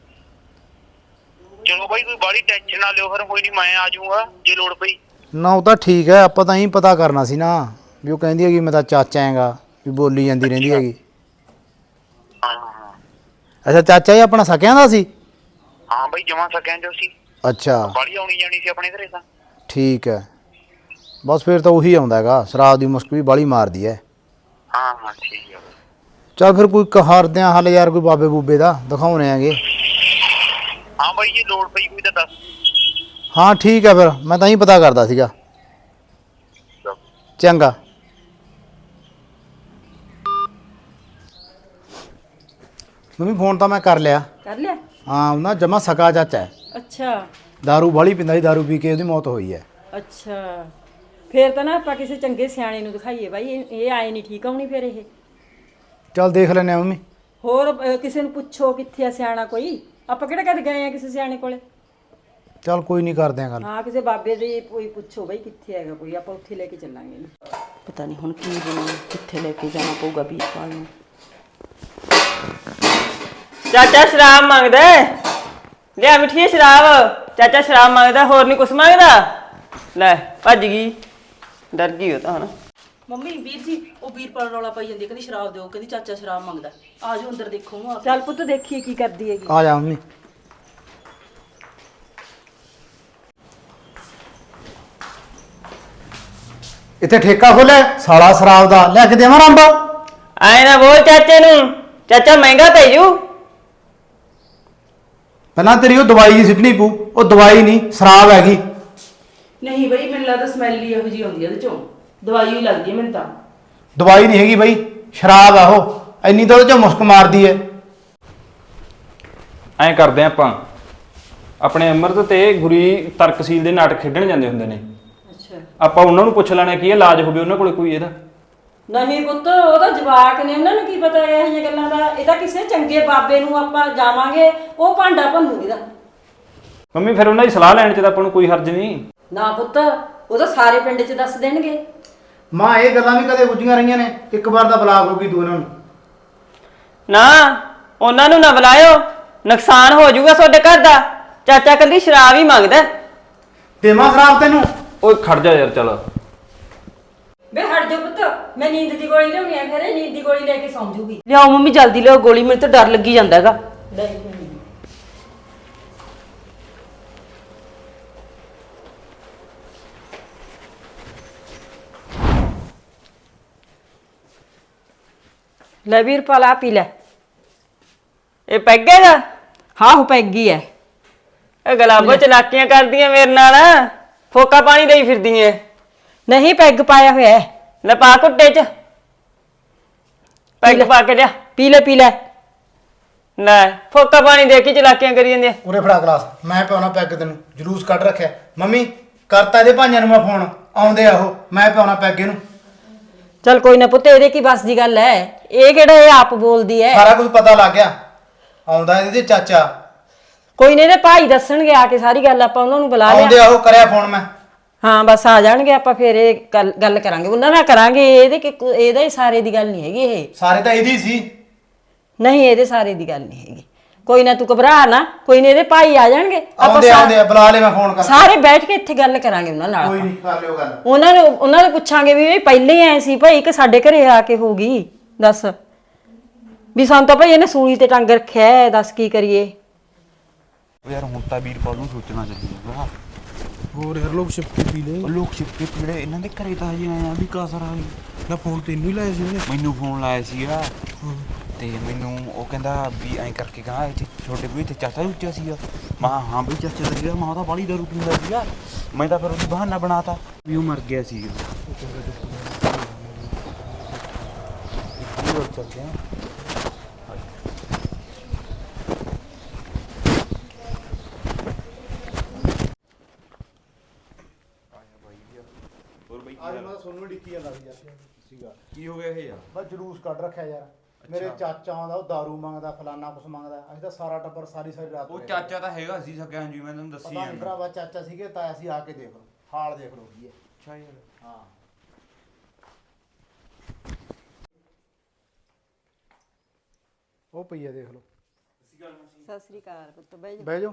G: ਚਲੋ ਬਾਈ, ਕੋਈ ਬਾੜੀ ਟੈਨਸ਼ਨ ਨਾ ਲਿਓ, ਫਿਰ ਕੋਈ ਨਹੀਂ, ਮੈਂ ਆ ਜਾਊਂਗਾ ਜੇ ਲੋੜ ਪਈ।
C: ਨਾ ਉਹ ਤਾਂ ਠੀਕ ਹੈ, ਆਪਾਂ ਤਾਂ ਹੀ ਪਤਾ ਕਰਨਾ ਸੀ ਨਾ ਵੀ ਉਹ ਕਹਿੰਦੀ ਹੈਗੀ ਮੈਂ ਤਾਂ ਚਾਚਾ ਹੈਗਾ, ਵੀ ਬੋਲੀ ਜਾਂਦੀ ਰਹਿੰਦੀ ਹੈਗੀ।
G: ਹਾਂ ਹਾਂ
C: ਅੱਛਾ, ਚਾਚਾ ਹੀ ਆਪਣਾ ਸਕਿਆਂ ਦਾ ਸੀ?
G: ਹਾਂ ਬਾਈ, ਜਮਾ ਸਕਿਆਂ ਜੋ ਸੀ।
C: ਅੱਛਾ
G: ਬਾੜੀ ਆਉਣੀ ਜਾਣੀ ਸੀ ਆਪਣੇ ਘਰੇ ਤਾਂ।
C: ਠੀਕ ਹੈ, ਬਸ ਫਿਰ ਤਾਂ ਉਹੀ ਆਉਂਦਾ ਹੈਗਾ, ਸ਼ਰਾਬ ਦੀ ਮੁਸਕ ਵੀ ਬਾਹਲੀ ਮਾਰਦੀ ਹੈ।
G: ਹਾਂ ਹਾਂ ਠੀਕ ਹੈ।
C: ਚੱਲ ਫਿਰ ਕੋਈ ਕਰਦੇ ਹਾਂ ਹੱਲ ਯਾਰ, ਕੋਈ ਬਾਬੇ ਬੂਬੇ ਦਾ ਦਿਖਾਉਣੇ ਹੈਗੇ।
G: ਹਾਂ ਬਾਈ, ਜੇ ਲੋੜ ਪਈ ਕੋਈ ਤਾਂ ਦੱਸ।
C: ਹਾਂ ਠੀਕ ਹੈ, ਫਿਰ ਮੈਂ ਤਾਂ ਹੀ ਪਤਾ ਕਰਦਾ ਸੀਗਾ। ਚੰਗਾ। ਮੰਮੀ ਫੋਨ ਤਾਂ ਮੈਂ ਕਰ ਲਿਆ।
A: ਕਰ ਲਿਆ?
C: ਹਾਂ, ਉਹ ਨਾ ਜਮਾ ਸਕਾ ਚਾਚਾ ਹੈ।
A: ਅੱਛਾ
C: ਦਾਰੂ ਬਾਹਲੀ ਪੀਂਦਾ ਸੀ, ਦਾਰੂ ਪੀ ਕੇ ਉਹਦੀ ਮੌਤ ਹੋਈ ਹੈ।
A: ਅੱਛਾ, ਫਿਰ ਤਾਂ ਨਾ ਆਪਾਂ ਕਿਸੇ ਚੰਗੇ ਸਿਆਣੇ ਨੂੰ ਦਿਖਾਈਏ ਬਾਈ, ਇਹ ਇਹ ਆਏ ਨਹੀਂ ਠੀਕ ਆਉਣੀ ਫਿਰ ਇਹ।
C: ਚੱਲ ਦੇਖ ਲੈਂਦੇ ਆ ਮੰਮੀ।
A: ਹੋਰ ਅਹ, ਕਿਸੇ ਨੂੰ ਪੁੱਛੋ ਕਿੱਥੇ ਆ ਸਿਆਣਾ ਕੋਈ, ਆਪਾਂ ਕਿਹੜਾ ਕਦੇ ਗਏ ਆ ਕਿਸੇ ਸਿਆਣੇ ਕੋਲੇ?
C: ਚੱਲ ਕੋਈ ਨਹੀਂ ਕਰਦੇ ਆ ਗੱਲ।
A: ਹਾਂ ਕਿਸੇ ਬਾਬੇ ਦੀ ਕੋਈ ਪੁੱਛੋ ਬਈ ਕਿੱਥੇ ਹੈਗਾ ਕੋਈ, ਆਪਾਂ ਉੱਥੇ ਲੈ ਕੇ ਚੱਲਾਂਗੇ ਇਹਨੂੰ।
E: ਪਤਾ ਨਹੀਂ ਹੁਣ ਕੀ ਬਣੂ, ਕਿੱਥੇ ਲੈ ਕੇ ਜਾਣਾ ਪਊਗਾ ਵੀਰਪਾਲ ਨੂੰ।
B: ਚਾਚਾ ਸ਼ਰਾਬ ਮੰਗਦਾ ਹੈ। ਲਿਆ ਮਿੱਠੀ ਸ਼ਰਾਬ। ਚਾਚਾ ਸ਼ਰਾਬ ਮੰਗਦਾ, ਹੋਰ ਨਹੀਂ ਕੁਛ ਮੰਗਦਾ। ਲੈ ਭੱਜ ਗਈ, ਡਰ ਗਈ ਉਹ ਤਾਂ ਹੁਣ।
E: ਮੰਮੀ ਵੀਰ ਜੀ ਉਹ ਵੀਰਪਾਲ ਰੌਲਾ ਪਾਈ ਜਾਂਦੀ ਹੈ, ਕਹਿੰਦੀ ਸ਼ਰਾਬ ਦਿਓ, ਕਹਿੰਦੀ ਚਾਚਾ ਸ਼ਰਾਬ ਮੰਗਦਾ। ਆ ਜਾਓ ਅੰਦਰ ਦੇਖੋ ਉਹਨੂੰ ਆ ਕੇ।
A: ਚੱਲ ਪੁੱਤ ਦੇਖੀਏ ਕੀ ਕਰਦੀ ਹੈਗੀ।
C: ਆ ਜਾ ਮੰਮੀ। ਇੱਥੇ ਠੇਕਾ ਖੋਲਿਆ ਸਾਲਾ ਸ਼ਰਾਬ ਦਾ, ਲੈ ਕੇ ਦੇਵਾਂ ਰੰਬਾ।
B: ਆਏ ਨਾ ਬੋਲ ਚਾਚੇ ਨੂੰ, ਚਾਚਾ ਮਹਿੰਗਾ ਪੈ ਜੂ।
C: ਪਹਿਲਾਂ ਤੇਰੀ ਉਹ ਦਵਾਈ ਦੀ ਸਿੱਟਣੀ ਪੂ, ਉਹ ਦਵਾਈ ਨਹੀਂ ਸ਼ਰਾਬ ਹੈਗੀ।
E: ਨਹੀਂ ਬਈ ਮੈਨੂੰ ਲੱਗਦਾ ਸਮੈਲ ਹੀ ਇਹੋ ਜਿਹੀ ਆਉਂਦੀ ਹੈ ਇਹਦੇ ਚੋਂ, ਦਵਾਈ ਹੀ ਲੱਗਦੀ ਹੈ ਮੈਨੂੰ ਤਾਂ।
C: ਦਵਾਈ ਨਹੀਂ ਹੈਗੀ ਬਈ, ਸ਼ਰਾਬ ਆ ਉਹ। ਇੰਨੀ ਤਾਂ ਉਹਦੇ ਚੋਂ ਮੁਸਕ ਮਾਰਦੀ ਹੈ।
D: ਐਂ ਕਰਦੇ ਆਪਾਂ, ਆਪਣੇ ਅੰਮ੍ਰਿਤ ਤੇ ਗੁਰੀ ਤਰਕਸੀਲ ਦੇ ਨਾਟਕ ਖੇਡਣ ਜਾਂਦੇ ਹੁੰਦੇ ਨੇ।
A: ਅੱਛਾ
D: ਆਪਾਂ ਉਹਨਾਂ ਨੂੰ ਪੁੱਛ ਲੈਣਾ ਕੀ ਇਲਾਜ ਹੋਵੇ ਉਹਨਾਂ ਕੋਲੇ ਕੋਈ ਇਹਦਾ।
A: ਨਹੀਂ ਪੁੱਤ ਉਹਦਾ ਜਵਾਕ ਨੇ, ਉਹਨਾਂ ਨੂੰ ਕੀ ਪਤਾ ਇਹ ਜਿਹੀਆਂ ਗੱਲਾਂ ਦਾ। ਇਹ ਤਾਂ ਕਿਸੇ ਚੰਗੇ ਬਾਬੇ ਨੂੰ ਆਪਾਂ ਜਾਵਾਂਗੇ, ਉਹ ਭਾਂਡਾ ਭੰਨੂ ਇਹਦਾ।
D: ਮੰਮੀ ਫਿਰ ਉਹਨਾਂ ਦੀ ਸਲਾਹ ਲੈਣ ਚ ਤਾਂ ਆਪਾਂ ਨੂੰ ਕੋਈ ਹਰਜ ਨਹੀਂ।
A: ਨਾ ਪੁੱਤ ਉਹ ਤਾਂ ਸਾਰੇ ਪਿੰਡ 'ਚ ਦੱਸ ਦੇਣਗੇ।
C: ਮਾਂ ਇਹ ਗੱਲਾਂ ਵੀ ਕਦੇ ਗੁੱਝੀਆਂ ਰਹੀਆਂ ਨੇ, ਇੱਕ ਵਾਰ ਦਾ ਬਲਾਕ ਹੋ ਗਈ ਤੂੰ ਇਹਨਾਂ ਨੂੰ।
B: ਨਾ ਉਹਨਾਂ ਨੂੰ ਨਾ ਬੁਲਾਇਓ, ਨੁਕਸਾਨ ਹੋ ਜਾਊਗਾ ਤੁਹਾਡੇ ਘਰ ਦਾ। ਚਾਚਾ ਕੱਲੀ ਸ਼ਰਾਬ ਹੀ ਮੰਗਦਾ।
C: ਦੇਵਾਂ ਸ਼ਰਾਬ ਤੈਨੂੰ?
D: ਓਏ ਖੜ ਜਾ ਯਾਰ, ਚੱਲ।
A: ਵੇ ਹਟ ਜਾ ਪੁੱਤ, ਮੈਂ ਨੀਂਦ ਦੀ ਗੋਲੀ ਲਿਆਉਣੀ ਆ, ਫਿਰ ਇਹ ਨੀਂਦ ਦੀ ਗੋਲੀ ਲੈ ਕੇ ਸੌਂ ਜੂਗੀ।
E: ਲਿਆਓ ਮੰਮੀ ਜਲਦੀ ਲਿਆਓ ਗੋਲੀ, ਮੈਨੂੰ ਤਾਂ ਡਰ ਲੱਗੀ ਜਾਂਦਾ ਹੈਗਾ।
A: ਲੈ ਵੀਰਪਾਲ ਆ ਪੀ ਲੈ।
B: ਇਹ ਪੈਗੇਗਾ?
A: ਹਾਂ ਉਹ ਪੈਗੀ ਐ।
B: ਇਹ ਗਲਾਬੋ ਚਲਾਕੀਆਂ ਕਰਦੀਆਂ ਮੇਰੇ ਨਾਲ, ਫੋਕਾ ਪਾਣੀ ਦੇਈ ਫਿਰਦੀਆਂ।
A: ਨਹੀਂ ਪੈਗ ਪਾਇਆ ਹੋਇਆ ਹੈ।
B: ਲੈ ਪਾ ਕੁੱਟੇ ਚ ਪੈਗ ਪਾ ਕੇ ਲਿਆ।
A: ਪੀ ਲੈ ਪੀ ਲੈ।
B: ਲੈ ਫੋਕਾ ਪਾਣੀ ਦੇ ਕੇ ਚਲਾਕੀਆਂ ਕਰੀ ਜਾਂਦੇ।
C: ਉਰੇ ਫੜਾ ਗਲਾਸ, ਮੈਂ ਪਿਆਉਣਾ ਪੈਗ ਤੈਨੂੰ। ਜਲੂਸ ਕੱਢ ਰੱਖਿਆ। ਮੰਮੀ ਕਰਤਾ ਇਹਦੇ ਭਾਈਆਂ ਨੂੰ ਮੈਂ ਫੋਨ, ਆਉਂਦੇ ਆ ਉਹ, ਮੈਂ ਪਿਆਉਣਾ ਪੈਗ ਇਹਨੂੰ।
A: ਚੱਲ ਕੋਈ ਨਾ ਪੁੱਤ, ਇਹਦੇ ਕੀ ਬਸ ਦੀ ਗੱਲ ਐ। ਇਹ ਕਿਹੜਾ ਇਹ ਆਪ ਬੋਲਦੀ ਐ।
C: ਸਾਰਾ ਕੁਝ ਪਤਾ ਲੱਗ ਗਿਆ। ਆਉਂਦਾ ਇਹਦੇ ਚਾਚਾ।
A: ਕੋਈ ਨਹੀਂ ਇਹਦੇ ਭਾਈ ਦੱਸਣਗੇ ਆ ਕੇ ਸਾਰੀ ਗੱਲ, ਆਪਾਂ ਉਹਨਾਂ ਨੂੰ ਬੁਲਾ
C: ਆਉਂਦੇ
A: ਲਿਆ।
C: ਆ ਉਹ, ਕਰਿਆ ਫੋਨ ਮੈਂ।
A: ਹਾਂ ਬਸ ਆ ਜਾਣਗੇ, ਆਪਾਂ ਫਿਰ ਇਹ ਗੱਲ ਗੱਲ ਕਰਾਂਗੇ ਉਹਨਾਂ ਨਾਲ ਕਰਾਂਗੇ। ਇਹਦੇ ਕਿ ਇਹਦਾ ਹੀ ਸਾਰੇ ਦੀ ਗੱਲ ਨਹੀਂ ਹੈਗੀ ਇਹ।
C: ਸਾਰੇ ਤਾਂ ਇਹਦੀ ਸੀ।
A: ਨਹੀਂ ਇਹਦੇ ਸਾਰੇ ਦੀ ਗੱਲ ਨਹੀਂ ਹੈਗੀ। ਕੋਈ ਨਾ ਤੂੰ ਘਬਰਾ ਨਾ, ਕੋਈ ਨਹੀਂ ਇਹਦੇ ਭਾਈ ਆ ਜਾਣਗੇ।
C: ਆਉਂਦੇ
A: ਸਾ-
C: ਆਉਂਦੇ ਆ, ਬੁਲਾ ਲੈ, ਮੈਂ ਫੋਨ ਕਰ।
A: ਸਾਰੇ ਬੈਠ ਕੇ ਇੱਥੇ ਗੱਲ ਕਰਾਂਗੇ ਉਹਨਾਂ ਨਾਲ।
C: ਕੋਈ ਨਹੀਂ, ਕਰ ਲਿਓ ਗੱਲ।
A: ਉਹਨਾਂ ਨੂੰ ਉਹਨਾਂ ਨੂੰ ਪੁੱਛਾਂਗੇ ਵੀ ਇਹ ਪਹਿਲੇ ਹੀ ਐ ਸੀ ਭਾਈ ਕਿ ਸਾਡੇ ਘਰੇ ਆ ਕੇ ਹੋ ਗਈ। ਦੱਸ ਵੀ ਸਾਨੂੰ ਤਾਂ ਭਾਈ ਇਹਨੇ ਸੂਲੀ ਤੇ ਟੰਗ ਰੱਖਿਆ ਹੈ, ਦੱਸ ਕੀ ਕਰੀਏ।
H: ਯਾਰ ਹੁਣ ਤਾਂ ਵੀਰਪਾਲ ਨੂੰ ਸੋਚਣਾ ਚਾਹੀਦਾ।
I: ਹੋਰ ਯਾਰ ਲੋਕ ਛਿਪਕੇ ਪੀ ਲੈ।
H: ਲੋਕ ਛਿਪਕੇ ਪੀੜੇ ਇਹਨਾਂ ਦੇ ਘਰੇ ਤਾਂ ਹਜੇ ਆਇਆ ਵੀ ਕਾਸਰ ਆ ਗਈ
I: ਨਾ ਫੋਨ ਤੈਨੂੰ ਹੀ ਲਾਇਆ ਸੀ ਉਹਨੇ।
H: ਮੈਨੂੰ ਫੋਨ ਲਾਇਆ ਸੀਗਾ ਤੇ ਮੈਨੂੰ ਉਹ ਕਹਿੰਦਾ ਵੀ ਐਂ ਕਰਕੇ ਕਹਾ ਇੱਥੇ ਛੋਟੇ ਵੀ ਇੱਥੇ ਚਾਚਾ ਉੱਚਾ ਸੀਗਾ। ਮੈਂ ਕਿਹਾ ਹਾਂ ਬਈ ਚਾਚਾ ਤਾਂ ਸੀਗਾ। ਮੈਂ ਤਾਂ ਬਾਹਲੀ ਦਾਰੂ ਪੀਂਦਾ ਸੀਗਾ। ਮੈਂ ਤਾਂ ਫਿਰ ਉਹਦੀ ਬਹਾਨਾ ਬਣਾਤਾ ਵੀ ਉਹ ਮਰ ਗਿਆ ਸੀਗਾ। ਚੱਲਦੇ ਆ।
C: ਅੱਜ ਮੈਂ ਤੁਹਾਨੂੰ ਡਿੱਕੀ ਜਾਂਦਾ ਸੀ ਯਾਰ। ਸੀਗਾ
H: ਕੀ ਹੋ ਗਿਆ ਇਹ ਯਾਰ?
C: ਬਸ ਜਲੂਸ ਕੱਢ ਰੱਖਿਆ ਯਾਰ। ਮੇਰੇ ਚਾਚਾ ਆਉਂਦਾ, ਉਹ ਦਾਰੂ ਮੰਗਦਾ, ਫਲਾਨਾ ਕੁਛ ਮੰਗਦਾ। ਅਸੀਂ ਤਾਂ ਸਾਰਾ ਟੱਬਰ ਸਾਰੀ ਸਾਰੀ ਰਾਤ
H: ਉਹ
C: ਰਹੇ।
H: ਚਾਚਾ ਤਾਂ ਹੈਗਾ ਸੀ ਸਕਿਆ ਜੀ, ਮੈਂ ਤੁਹਾਨੂੰ ਦੱਸੀ
C: ਪਤਾ ਨਹੀਂ
H: ਜਾਂਦਾ।
C: ਭਰਾਵਾ ਚਾਚਾ ਸੀਗੇ ਤਾਇਆ ਸੀ, ਆ ਕੇ ਦੇਖ ਲਓ ਹਾਲ, ਦੇਖ ਲਓ ਕੀ ਹੈ।
H: ਅੱਛਾ ਯਾਰ।
C: ਹਾਂ ਉਹ ਪਈ ਹੈ, ਦੇਖ ਲਓ।
A: ਸਤਿ ਸ੍ਰੀ ਅਕਾਲ ਪੁੱਤ, ਬਹਿ ਜਾ।
C: ਬਹਿ ਜਾਓ।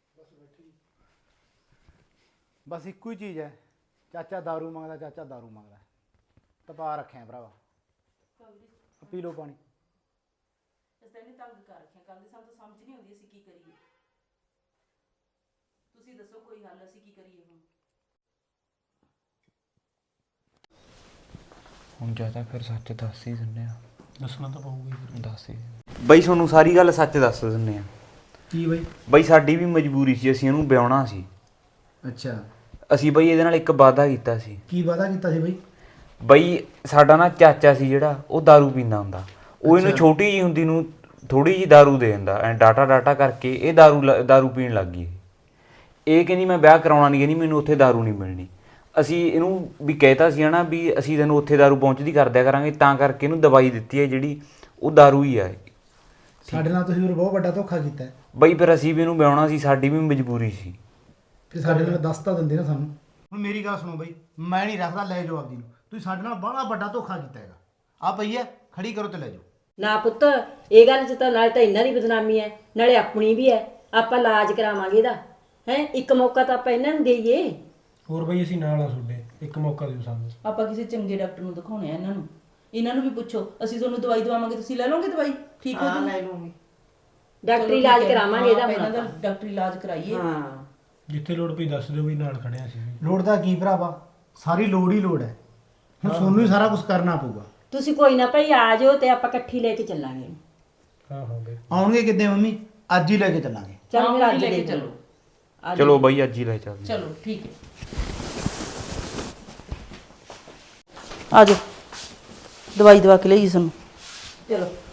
C: ਬਸ ਇੱਕੋ ਹੀ ਚੀਜ਼ ਹੈ, ਚਾਚਾ ਦਾਰੂ ਮੰਗਦਾ, ਚਾਚਾ ਦਾਰੂ ਮੰਗਦਾ। ਤਪਾ ਰੱਖਿਆ ਭਰਾਵਾ। ਪੀ ਲਓ ਪਾਣੀ।
E: ਇਸ ਤਾਂ ਇਹਨੇ ਤੰਗ ਕਰ ਰੱਖਿਆ ਕੱਲ ਦੇ, ਸਾਨੂੰ ਤਾਂ ਸਮਝ ਨਹੀਂ ਆਉਂਦੀ ਅਸੀਂ ਕੀ ਕਰੀਏ। ਤੁਸੀਂ ਦੱਸੋ ਕੋਈ ਹੱਲ, ਅਸੀਂ ਕੀ ਕਰੀਏ ਹੁਣ।
H: ਹੁਣ ਜਿਆਦਾ ਫਿਰ ਸੱਚ ਦੱਸ ਹੀ ਦਿੰਦੇ ਆ।
I: ਦੱਸਣਾ ਤਾਂ ਪਊਗਾ ਹੀ।
H: ਦੱਸ ਹੀ ਬਈ ਤੁਹਾਨੂੰ ਸਾਰੀ ਗੱਲ ਸੱਚ ਦੱਸ ਦਿੰਦੇ ਆ।
I: ਕੀ ਬਾਈ?
H: ਬਈ ਸਾਡੀ ਵੀ ਮਜਬੂਰੀ ਸੀ, ਅਸੀਂ ਇਹਨੂੰ ਵਿਆਹੁਣਾ ਸੀ।
I: ਅੱਛਾ,
H: ਅਸੀਂ ਬਈ ਇਹਦੇ ਨਾਲ ਇੱਕ ਵਾਅਦਾ ਕੀਤਾ ਸੀ।
I: ਕੀ ਵਾਅਦਾ ਕੀਤਾ ਸੀ ਬਾਈ?
H: ਬਈ ਸਾਡਾ ਨਾ ਚਾਚਾ ਸੀ ਜਿਹੜਾ, ਉਹ ਦਾਰੂ ਪੀਂਦਾ ਹੁੰਦਾ। ਉਹ ਇਹਨੂੰ
I: ਅੱਛਾ।
H: ਛੋਟੀ ਜੀ ਹੁੰਦੀ ਨੂੰ ਥੋੜੀ ਜੀ ਦਾਰੂ ਦੇ ਦਿੰਦਾ, ਐ ਡਾਟਾ ਡਾਟਾ ਕਰਕੇ ਇਹ ਦਾਰੂ ਲ- ਦਾਰੂ ਪੀਣ ਲੱਗ ਗਈ। ਇਹ ਕਹਿੰਦੀ ਮੈਂ ਵਿਆਹ ਕਰਾਉਣਾ ਨਹੀਂ, ਕਹਿੰਦੀ ਮੈਨੂੰ ਉੱਥੇ ਦਾਰੂ ਨਹੀਂ ਮਿਲਣੀ। ਅਸੀਂ ਇਹਨੂੰ ਵੀ ਕਹਿਤਾ ਸੀ ਨਾ ਵੀ ਅਸੀਂ ਤੈਨੂੰ ਉੱਥੇ ਦਾਰੂ ਪਹੁੰਚਦੀ ਕਰ ਦਿਆ ਕਰਾਂਗੇ, ਤਾਂ ਕਰਕੇ ਇਹਨੂੰ ਦਵਾਈ ਦਿੱਤੀ ਹੈ ਜਿਹੜੀ ਉਹ ਦਾਰੂ ਹੀ ਆ।
I: ਸਾਡੇ ਨਾਲ ਤੁਸੀਂ ਬਹੁਤ ਵੱਡਾ ਧੋਖਾ ਕੀਤਾ।
H: ਬਈ ਫਿਰ ਅਸੀਂ ਵੀ ਇਹਨੂੰ ਵਿਆਹੁਣਾ ਸੀ, ਸਾਡੀ ਵੀ ਮਜਬੂਰੀ ਸੀ।
I: ਫਿਰ ਸਾਡੇ ਨਾਲ ਦੱਸ ਤਾਂ ਦਿੰਦੇ ਨਾ ਸਾਨੂੰ।
C: ਹੁਣ ਮੇਰੀ ਗੱਲ ਸੁਣੋ ਬਈ, ਮੈਂ ਨਹੀਂ ਰੱਖਦਾ, ਲੈ ਜਾਓ ਆਪਦੀ ਨੂੰ। ਤੁਸੀਂ ਸਾਡੇ ਨਾਲ ਬੜਾ ਵੱਡਾ ਧੋਖਾ ਕੀਤਾ ਹੈਗਾ। ਆ ਪਈ ਹੈ, ਖੜੀ ਕਰੋ ਤੇ ਲੈ ਜਾਓ।
A: ਨਾ ਪੁੱਤ, ਇਹ ਗੱਲ 'ਚ ਤਾਂ ਨਾਲ ਤਾਂ ਇਹਨਾਂ ਦੀ ਬਦਨਾਮੀ ਹੈ, ਨਾਲੇ ਆਪਣੀ ਵੀ ਹੈ। ਆਪਾਂ ਇਲਾਜ ਕਰਾਵਾਂਗੇ ਇਹਦਾ, ਹੈ ਇੱਕ ਮੌਕਾ ਤਾਂ ਆਪਾਂ ਇਹਨਾਂ ਨੂੰ ਦੇਈਏ।
I: ਹੋਰ ਬਈ ਅਸੀਂ ਨਾਲ ਆ ਤੁਹਾਡੇ, ਇੱਕ ਮੌਕਾ ਦਿਓ ਸਾਨੂੰ।
E: ਆਪਾਂ ਕਿਸੇ ਚੰਗੇ ਡਾਕਟਰ ਨੂੰ ਦਿਖਾਉਣੇ ਆ ਇਹਨਾਂ ਨੂੰ। ਇਹਨਾਂ ਨੂੰ ਵੀ ਪੁੱਛੋ, ਅਸੀਂ ਤੁਹਾਨੂੰ ਦਵਾਈ ਦਵਾਵਾਂਗੇ, ਤੁਸੀਂ ਲੈ ਲਓਗੇ ਦਵਾਈ? ਠੀਕ ਹੋ ਜੀ? ਲੈ ਲਵਾਂਗੇ।
A: ਡਾਕਟਰੀ ਇਲਾਜ ਕਰਾਵਾਂਗੇ ਇਹਦਾ।
E: ਇਹਨਾਂ ਦਾ ਡਾਕਟਰੀ ਇਲਾਜ ਕਰਾਈਏ।
A: ਹਾਂ,
I: ਜਿੱਥੇ ਲੋੜ ਪਈ ਦੱਸ ਦਿਓ ਬਈ, ਨਾਲ ਖੜੇ ਆ ਅਸੀਂ ਵੀ।
C: ਲੋੜ ਦਾ ਕੀ ਭਰਾਵਾ, ਸਾਰੀ ਲੋੜ ਹੀ ਲੋੜ ਹੈ। ਹੁਣ ਤੁਹਾਨੂੰ ਹੀ ਸਾਰਾ ਕੁਝ ਕਰਨਾ ਪਊਗਾ।
A: ਤੁਸੀਂ ਕੋਈ ਨਾ ਭਾਈ ਆ ਜਾਓ ਤੇ ਆਪਾਂ ਇਕੱਠੀ ਲੈ ਕੇ ਚੱਲਾਂਗੇ।
I: ਹਾਂ ਹਾਂ ਬਈ।
C: ਆਉਣਗੇ ਕਿੱਦੇ ਮੰਮੀ? ਅੱਜ ਹੀ ਲੈ ਕੇ ਚੱਲਾਂਗੇ।
A: ਚਲ ਮੇਰਾ ਅੱਜ
E: ਲੈ ਕੇ
A: ਦੇ
E: ਚੱਲੋ।
H: ਚਲੋ ਬਈ ਅੱਜ ਹੀ ਲੈ ਚੱਲਦੇ।
E: ਚਲੋ ਠੀਕ ਹੈ, ਆ ਜਾਓ, ਦਵਾਈ ਦਵਾ ਕੇ ਲਈ ਸਾਨੂੰ।
A: ਚਲੋ।